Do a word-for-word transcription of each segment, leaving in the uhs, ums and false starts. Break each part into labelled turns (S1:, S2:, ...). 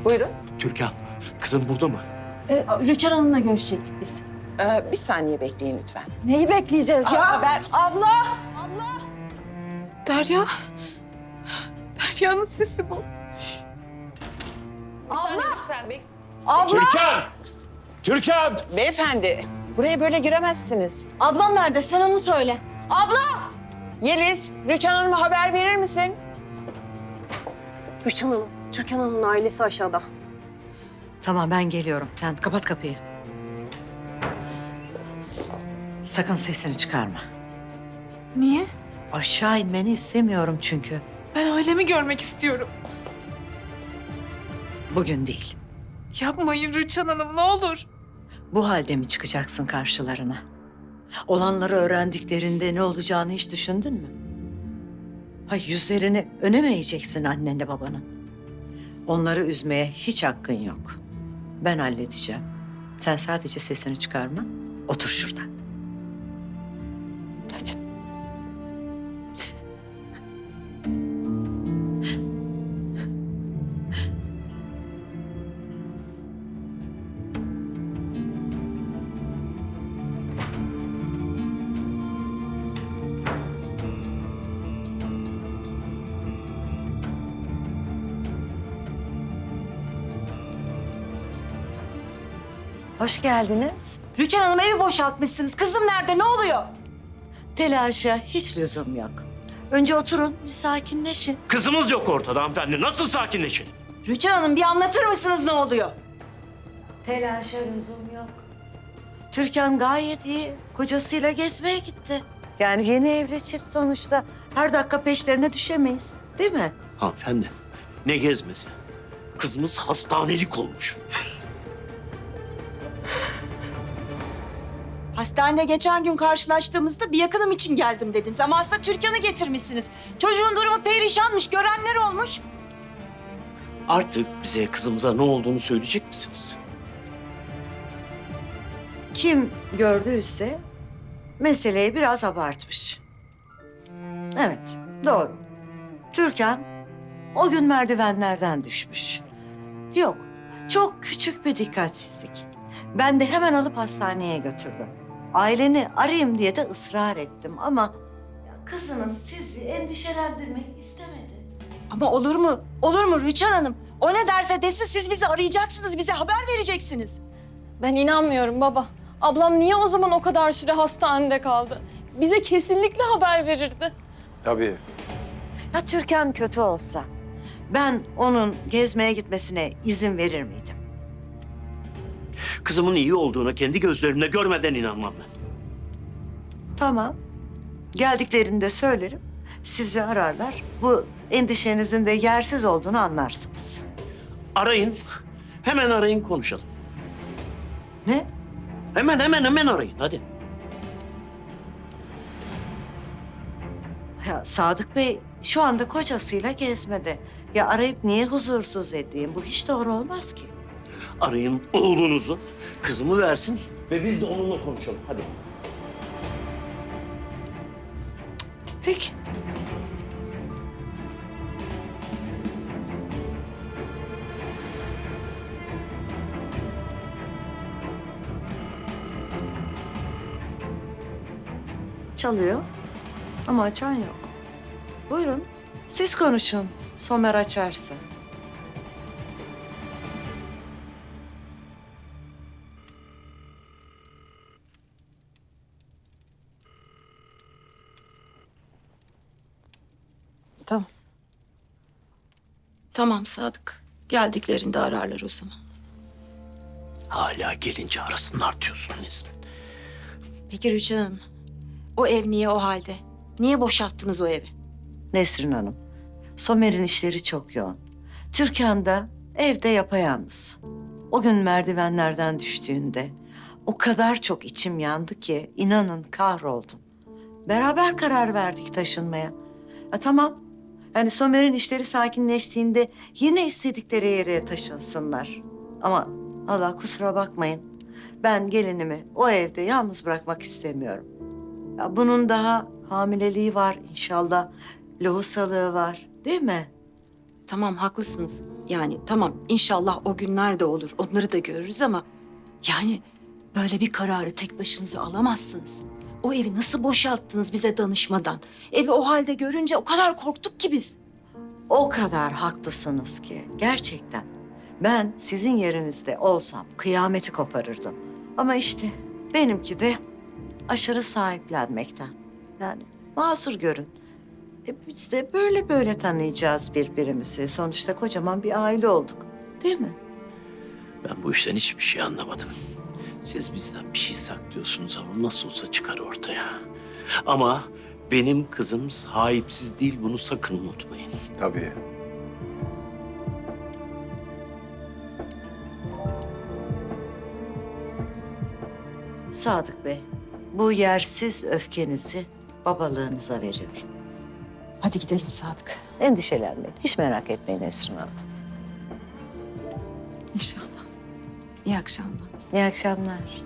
S1: Buyurun.
S2: Türkan, kızım burada mı?
S3: Ee, Rüçhan Hanım'la görüşecektik biz.
S1: Ee, bir saniye bekleyin lütfen.
S3: Neyi bekleyeceğiz ya?
S1: Aa, haber.
S3: Abla!
S4: Derya. Derya'nın sesi bu.
S1: Bir saniye lütfen bek.
S3: Abla!
S2: Türkan! Türkan!
S1: Beyefendi, buraya böyle giremezsiniz.
S3: Ablam nerede? Sen onu söyle. Abla!
S1: Yeliz, Rüçhan Hanım'a haber verir misin?
S5: Rüçhan Hanım, Türkan Hanım'ın ailesi aşağıda.
S6: Tamam ben geliyorum. Sen kapat kapıyı. Sakın sesini çıkarma.
S4: Niye?
S6: Aşağı inmeni istemiyorum çünkü.
S4: Ben ailemi görmek istiyorum.
S6: Bugün değil.
S4: Yapmayın Rüçhan Hanım, ne olur.
S6: Bu halde mi çıkacaksın karşılarına? Olanları öğrendiklerinde ne olacağını hiç düşündün mü? Hay yüzlerini öne mi eğeceksin annenle babanın? Onları üzmeye hiç hakkın yok. Ben halledeceğim. Sen sadece sesini çıkarma. Otur şurada. Hadi. Hoş geldiniz.
S3: Rüçhan Hanım evi boşaltmışsınız. Kızım nerede? Ne oluyor?
S6: Telaşa hiç lüzum yok. Önce oturun, bir sakinleşin.
S2: Kızımız yok ortada hanımefendi. Nasıl sakinleşin?
S3: Rüçhan Hanım bir anlatır mısınız ne oluyor?
S6: Telaşa lüzum yok. Türkan gayet iyi. Kocasıyla gezmeye gitti. Yani yeni evli çift sonuçta. Her dakika peşlerine düşemeyiz. Değil mi?
S2: Hanımefendi, ne gezmesi? Kızımız hastanelik olmuş.
S3: Hastanede geçen gün karşılaştığımızda bir yakınım için geldim dediniz. Ama aslında Türkan'ı getirmişsiniz. Çocuğun durumu perişanmış, görenler olmuş.
S2: Artık bize kızımıza ne olduğunu söyleyecek misiniz?
S6: Kim gördüyse meseleyi biraz abartmış. Evet, doğru. Türkan o gün merdivenlerden düşmüş. Yok, çok küçük bir dikkatsizlik. Ben de hemen alıp hastaneye götürdüm. Aileni arayayım diye de ısrar ettim ama ya kızınız sizi endişelendirmek istemedi.
S3: Ama olur mu? Olur mu Rüçhan Hanım? O ne derse desin siz bizi arayacaksınız, bize haber vereceksiniz.
S5: Ben inanmıyorum baba. Ablam niye o zaman o kadar süre hastanede kaldı? Bize kesinlikle haber verirdi.
S7: Tabii.
S6: Ya Türkan kötü olsa ben onun gezmeye gitmesine izin verir miydim?
S2: Kızımın iyi olduğuna kendi gözlerimle görmeden inanmam ben.
S6: Tamam. Geldiklerinde söylerim. Sizi ararlar. Bu endişenizin de yersiz olduğunu anlarsınız.
S2: Arayın, hemen arayın konuşalım.
S6: Ne?
S2: Hemen hemen hemen arayın hadi.
S6: Ya Sadık Bey şu anda kocasıyla gezmede. Ya arayıp niye huzursuz edeyim? Bu hiç doğru olmaz ki.
S2: Arayın oğlunuzu, kızımı versin ve biz de onunla konuşalım hadi.
S6: Peki. Çalıyor ama açan yok. Buyurun, siz konuşun. Somer açarsa.
S3: Tamam. Tamam Sadık. Geldiklerinde ararlar o zaman.
S2: Hala gelince arasınlar diyorsun Nesrin.
S3: Peki Rüçhan Hanım, o ev niye o halde? Niye boşalttınız o evi?
S6: Nesrin Hanım, Somer'in işleri çok yoğun. Türkan da evde yapayalnız. O gün merdivenlerden düştüğünde o kadar çok içim yandı ki inanın kahroldum. Beraber karar verdik taşınmaya. Ya tamam, yani Somer'in işleri sakinleştiğinde yine istedikleri yere taşınsınlar. Ama Allah kusura bakmayın, ben gelinimi o evde yalnız bırakmak istemiyorum. Ya bunun daha hamileliği var inşallah, lohusalığı var değil mi?
S3: tamam haklısınız. Yani tamam inşallah o günler de olur. Onları da görürüz ama yani böyle bir kararı tek başınıza alamazsınız. O evi nasıl boşalttınız bize danışmadan? Evi o halde görünce o kadar korktuk ki biz.
S6: O kadar haklısınız ki gerçekten. Ben sizin yerinizde olsam kıyameti koparırdım. Ama işte benimki de aşırı sahiplenmekten. Yani mazur görün. E biz de böyle böyle tanıyacağız birbirimizi. Sonuçta kocaman bir aile olduk. Değil mi?
S2: Ben bu işten hiçbir şey anlamadım. Siz bizden bir şey saklıyorsunuz ama nasıl olsa çıkar ortaya. Ama benim kızım sahipsiz değil, bunu sakın unutmayın.
S7: Tabii.
S6: Sadık Bey, bu yersiz öfkenizi babalığınıza veriyorum.
S3: Hadi gidelim Sadık.
S6: Endişelenmeyin. Hiç merak etmeyin Esrin Hanım.
S3: İnşallah. İyi akşamlar.
S6: İyi akşamlar.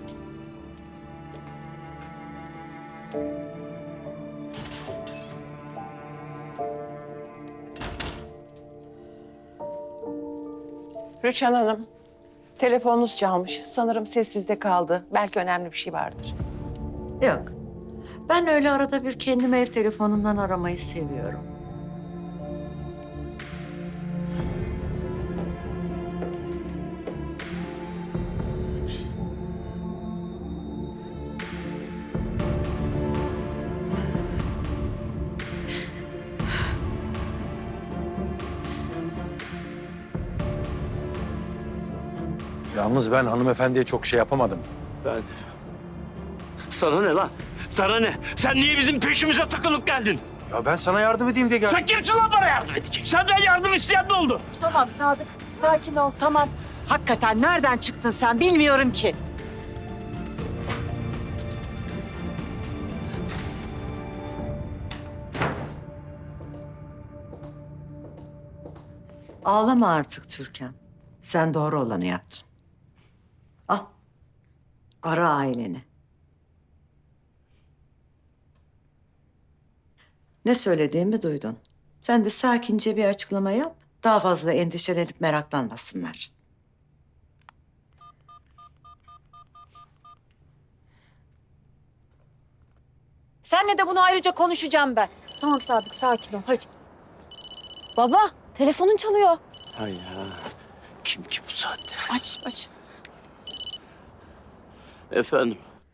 S1: Rüçhan Hanım, telefonunuz çalmış. Sanırım sessizde kaldı. Belki önemli bir şey vardır.
S6: Yok. Ben öyle arada bir kendimi ev telefonundan aramayı seviyorum.
S7: Yalnız ben hanımefendiye çok şey yapamadım.
S2: Ben... Sana ne lan? Sana ne? Sen niye bizim peşimize takılıp geldin?
S7: Ya ben sana yardım edeyim diye geldim.
S2: Sen kimsin lan bana yardım edecek? Senden yardım isteyen ne oldu?
S3: Tamam Sadık. Sakin ol tamam. Hakikaten nereden çıktın sen bilmiyorum ki.
S6: Ağlama artık Türkan. Sen doğru olanı yaptın. Al. Ara aileni. Ne söylediğimi duydun. Sen de sakince bir açıklama yap. Daha fazla endişelenip meraklanmasınlar.
S3: Seninle de bunu ayrıca konuşacağım ben. Tamam Sadık sakin ol hadi.
S5: Baba, telefonun çalıyor.
S2: Hay ya. Kim ki bu saatte?
S3: Aç aç.
S2: Efendim?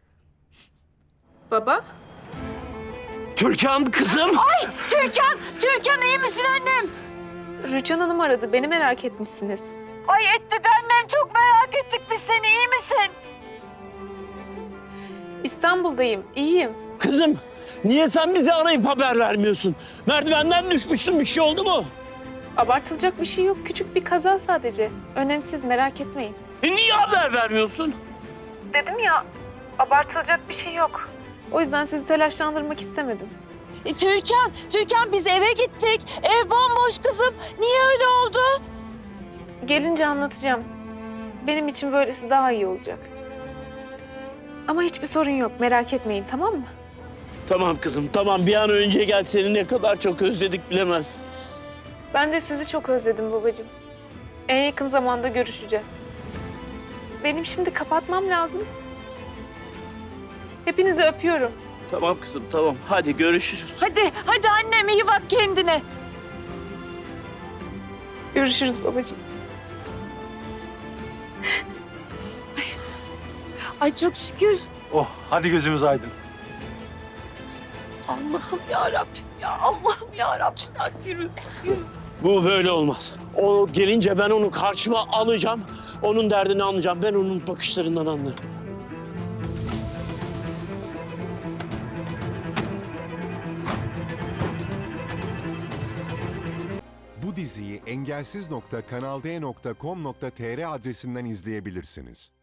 S4: Baba?
S2: Türkan kızım!
S3: Türkan, Türkan iyi misin annem?
S4: Rüçhan Hanım aradı. Beni merak etmişsiniz.
S3: Ay ettik annem çok merak ettik biz seni iyi misin?
S4: İstanbul'dayım. İyiyim.
S2: Kızım, niye sen bizi arayıp haber vermiyorsun? Merdivenden düşmüşsün, bir şey oldu mu?
S4: Abartılacak bir şey yok. Küçük bir kaza sadece. Önemsiz, merak etmeyin.
S2: E niye haber vermiyorsun?
S4: Dedim ya, abartılacak bir şey yok. O yüzden sizi telaşlandırmak istemedim.
S3: E, Türkan, Türkan biz eve gittik. Ev bomboş kızım. Niye öyle oldu?
S4: Gelince anlatacağım. Benim için böylesi daha iyi olacak. Ama hiçbir sorun yok. Merak etmeyin, tamam mı?
S2: Tamam kızım, tamam. Bir an önce gel, seni ne kadar çok özledik bilemezsin.
S4: Ben de sizi çok özledim babacığım. En yakın zamanda görüşeceğiz. Benim şimdi kapatmam lazım. Hepinizi öpüyorum.
S2: Tamam kızım, tamam. Hadi görüşürüz.
S3: Hadi, hadi annem iyi bak kendine.
S4: Görüşürüz babacığım.
S3: Ay çok şükür.
S7: Oh, hadi gözümüz aydın.
S3: Allah'ım ya Rabbim ya Allah'ım ya Rabbim. Ya yürü, yürü.
S2: Bu böyle olmaz. O gelince ben onu karşıma alacağım. Onun derdini anlayacağım. Ben onun bakışlarından anlarım.
S8: Bu diziyi engelsiz nokta kanal d nokta com nokta tr adresinden izleyebilirsiniz.